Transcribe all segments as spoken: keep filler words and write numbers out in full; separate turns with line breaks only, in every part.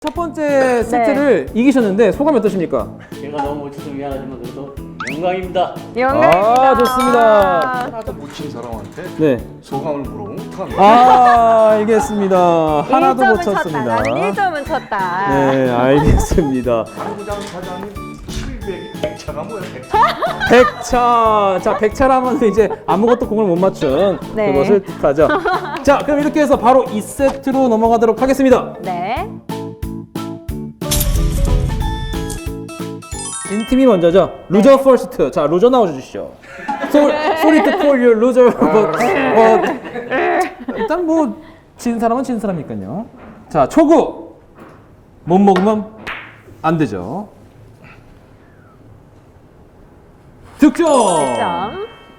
첫 번째 세트를 이기셨는데 소감이 어떠십니까?
제가 너무 못 쳐서 미안하지만 그래도 영광입니다.
영광입니다.
아, 좋습니다.
하나도 못 친 사람한테
네.
소감을 물어보면 어떡합니까?
아, 알겠습니다. 하나도 못
쳤다.
쳤습니다.
나는 일 점은 쳤다.
네, 알겠습니다.
당구장 사장님 칠백, 백 차가 뭐야? 백 차.
백 차. 자, 백 차라면 이제 아무것도 공을 못 맞춘
네.
그것을 뜻하죠. 자, 그럼 이렇게 해서 바로 이 세트로 넘어가도록 하겠습니다.
네.
진 팀이 먼저죠. 루저 퍼스트. 자, 루저 나와주시죠. Sorry to call you loser, but, but 일단 뭐 진 사람은 진 사람이니까요. 자, 초구 못 먹으면 안 되죠. 득점.
점.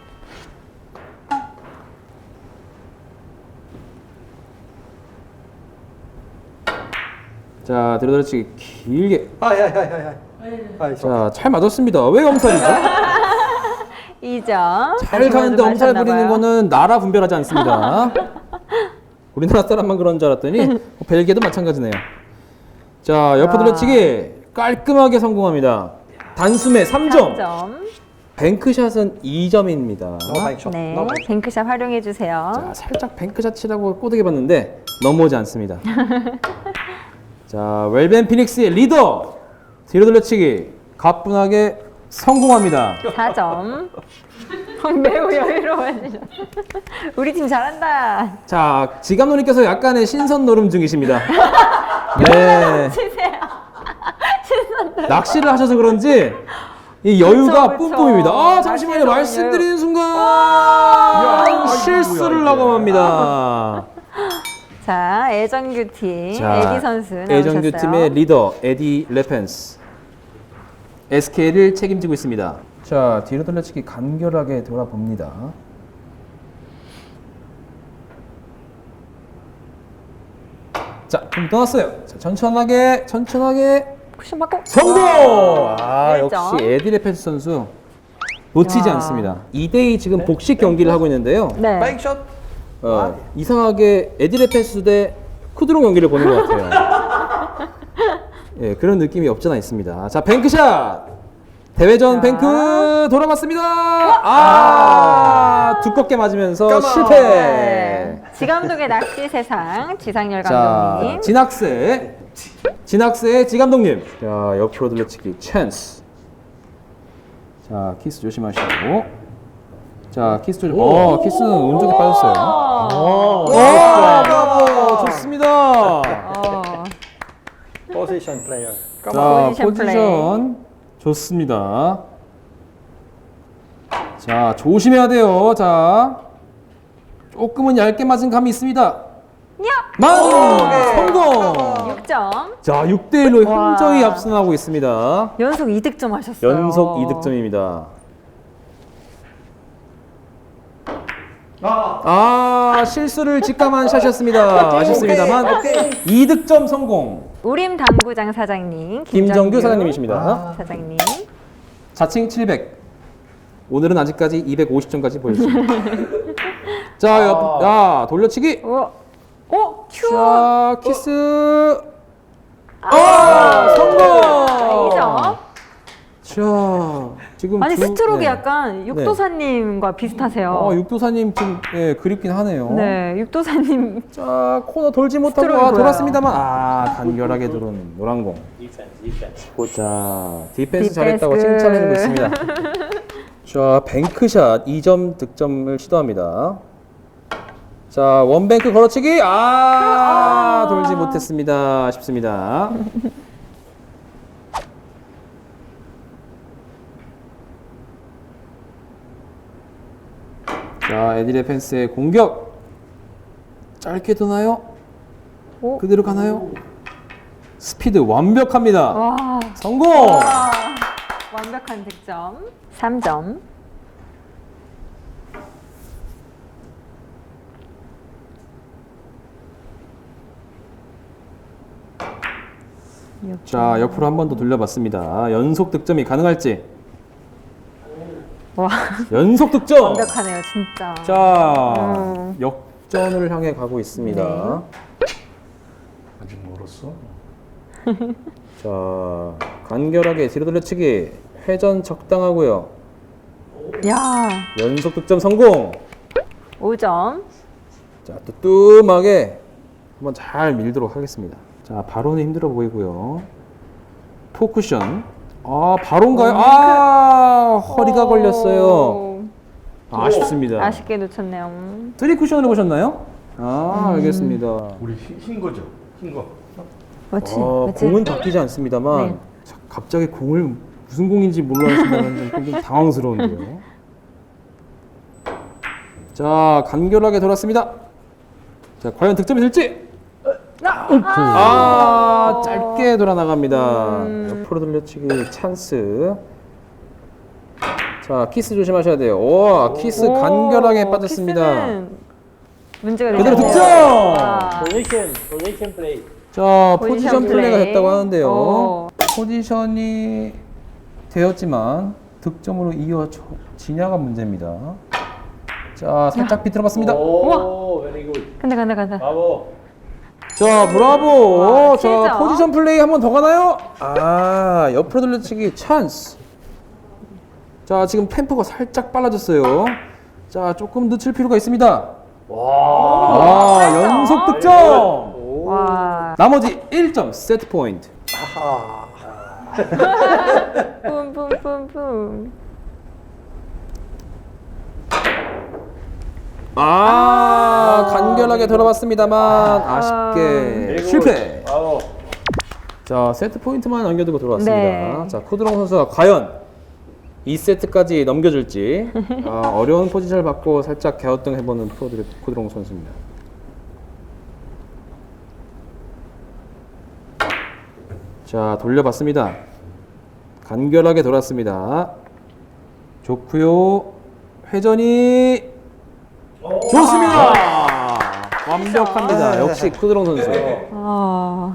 자, 들어들어치기 길게.
아야야야야. 아이,
자, 잘 맞았습니다. 왜 엄살이죠?
이 점.
잘 가는데 엄살 부리는 거는 나라 분별하지 않습니다. 우리나라 사람만 그런 줄 알았더니 벨기에도 마찬가지네요. 자, 옆으로 들어치기 깔끔하게 성공합니다. 단숨에 삼 점.
삼 점.
뱅크샷은 이 점입니다.
네. 뱅크샷 활용해 주세요.
자, 살짝 뱅크샷 치라고 꼬드겨 봤는데 넘어오지 않습니다. 자, 웰벤 피닉스의 리더 뒤로 돌려치기 가뿐하게 성공합니다.
사 점. 매우 여유로워지셨어. 우리 팀 잘한다.
자, 지감노님께서 약간의 신선 노름 중이십니다. 네.
치세요. 신선.
낚시를 하셔서 그런지 이 여유가
그쵸, 그쵸.
뿜뿜입니다. 아, 잠시만요.
낚시는
말씀드리는 순간
야,
실수를
아이고,
하고
뭐야,
맙니다.
자, 애정규 팀
자,
에디 선수 나오셨어요.
애정규 팀의 리더 에디 레펜스 에스케이를 책임지고 있습니다. 자, 뒤로 돌려치기 간결하게 돌아봅니다. 자, 좀 떠났어요. 자, 천천하게 천천하게
쿠션 받고
성공! 아,
일 점.
역시 에디 레펜스 선수 놓치지
야.
않습니다. 이 대 이 지금 복식 경기를 하고 있는데요.
네.
백샷.
어, 이상하게 에디 레펜스 대 쿠드롱 경기를 보는 것 같아요. 예, 그런 느낌이 없잖아 있습니다. 자, 뱅크샷! 대회전
자.
뱅크 돌아봤습니다. 아, 두껍게 맞으면서
까마.
실패.
네. 지감독의 낚시 세상 지상열
자,
감독님.
진학세, 진학세의 지감독님. 자, 옆으로 돌려치기 찬스. 자, 키스 조심하시고. 자, 키스 조심. 어, 키스는 운 좋게 빠졌어요.
오.
오, 브라보, 좋습니다.
어.
포지션 플레이어.
자,
포지션
포지션 좋습니다. 자, 조심해야 돼요. 자, 조금은 얇게 맞은 감이 있습니다.
야!
만 성공.
육 점.
자, 육 대 일로
와.
현저히 앞서나고 있습니다.
연속 이 득점 하셨어요.
연속 이 득점입니다. 아, 실수를 직감한 샷이었습니다. 아쉽습니다만 이 득점 성공.
우림 당구장 사장님
김정규 사장님이십니다.
아. 사장님.
자칭 칠백. 오늘은 아직까지 이백오십 점까지 보여주십니다. 자, 옆, 야, 돌려치기.
오. 오, 큐.
자, 키스. 아, 성공.
이 점.
자, 지금
아니
두-
스트로크
네.
약간 육도사님과 비슷하세요.
어, 육도사님 지금 예, 그립긴 하네요.
네, 육도사님.
자, 코너 돌지 못하고
스트로크
아,
보여요.
돌았습니다만 아, 간결하게 들어온 노란 공.
디펜스, 디펜스.
자, 디펜스
디펜스
잘했다고
굿.
칭찬해주고 있습니다. 자, 뱅크샷 이 점 득점을 시도합니다. 자, 원뱅크 걸어치기. 아, 돌지 못했습니다. 아쉽습니다. 자, 에디 펜스의 공격. 짧게 도나요?
오.
그대로 가나요? 스피드 완벽합니다.
와.
성공!
와. 완벽한 득점. 삼 점.
자, 옆으로 한 번 더 돌려봤습니다. 연속 득점이 가능할지.
와.
연속 득점!
완벽하네요, 진짜.
자,
음.
역전을 향해 가고 있습니다.
네.
아직 멀었어.
자, 간결하게 뒤로 돌려치기. 회전 적당하고요.
야,
연속 득점 성공.
오 점.
자, 또 뜸하게 한번 잘 밀도록 하겠습니다. 자, 바로는 힘들어 보이고요. 포쿠션. 아, 바로인가요? 아, 허리가 걸렸어요.
오,
아쉽습니다.
아쉽게 놓쳤네요.
쓰리 쿠션으로 보셨나요? 아, 알겠습니다.
우리 흰, 흰 거죠? 흰 거.
맞지?
어,
맞지?
공은 바뀌지 않습니다만
네.
자, 갑자기 공을 무슨 공인지 몰라 하시면 좀, 좀 당황스러운데요. 자, 간결하게 돌았습니다. 자, 과연 득점이 될지? 아, 짧게 돌아 나갑니다. 옆으로 돌려치기 찬스. 자, 키스 조심하셔야 돼요. 오, 키스
오,
간결하게 빠졌습니다.
키스는 문제가
그대로
되네요.
득점!
와.
포지션, 포지션 플레이.
자,
포지션
포지션 플레이가
플레이.
됐다고 하는데요.
오.
포지션이 되었지만 득점으로 이어지냐가 문제입니다. 자, 살짝 비틀어봤습니다.
오, very good.
간다 간다 간다.
브라보.
자, 브라보.
와,
자,
칠 점.
포지션 플레이 한 번 더 가나요? 아, 옆으로 돌려치기 찬스. 자, 지금 템포가 살짝 빨라졌어요. 자, 조금 늦출 필요가 있습니다.
와.
아, 연속 득점.
오.
와.
나머지 일 점 세트 포인트.
뿜뿜뿜뿜.
아, 간결하게 돌아봤습니다만 아쉽게
그리고-
실패.
브라보.
자, 세트 포인트만 남겨두고 돌아왔습니다.
네.
자, 코드롱 선수가 과연 이 세트까지 넘겨줄지 아, 어려운 포지션을 받고 살짝 갸우뚱 해보는 프로들의 코드롱 선수입니다. 자, 돌려봤습니다. 간결하게 돌았습니다. 좋고요. 회전이 좋습니다. 완벽합니다. 역시 코드롱 선수.
아.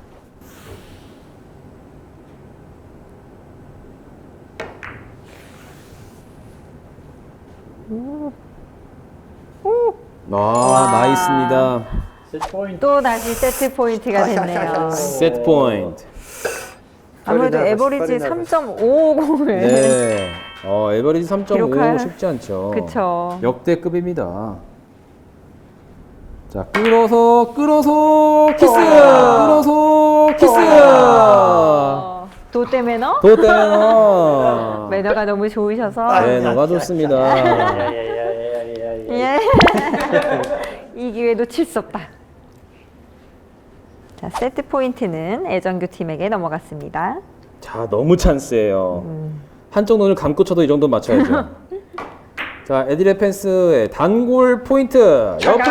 아, 나이스입니다.
세트 포인트.
또 다시 세트 포인트가 됐네요.
세트 포인트.
아무래도
빨리
에버리지
나가서,
삼 점 오오공을.
네. 어, 에버리지 삼 점 오
기록할-
쉽지 않죠.
그쵸.
역대급입니다. 자, 끌어서 끌어서 키스. 끌어서 키스.
어, 도떼 매너?
도떼너.
매너가 너무 좋으셔서.
네, 너가 좋습니다.
야야야야야야야.
예. 이 기회 놓칠 수 없다. 자, 세트 포인트는 애정규 팀에게 넘어갔습니다.
자, 너무 찬스예요. 한쪽 눈을 감고 쳐도 이 정도 맞춰야죠. 자, 에디레 펜스의 단골 포인트. 옆으로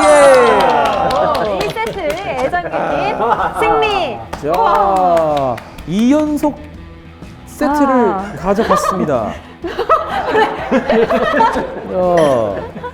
돌려치기.
이 세트 애정규 팀 승리.
자, 이 연속 세트를
아.
가져갔습니다. 야,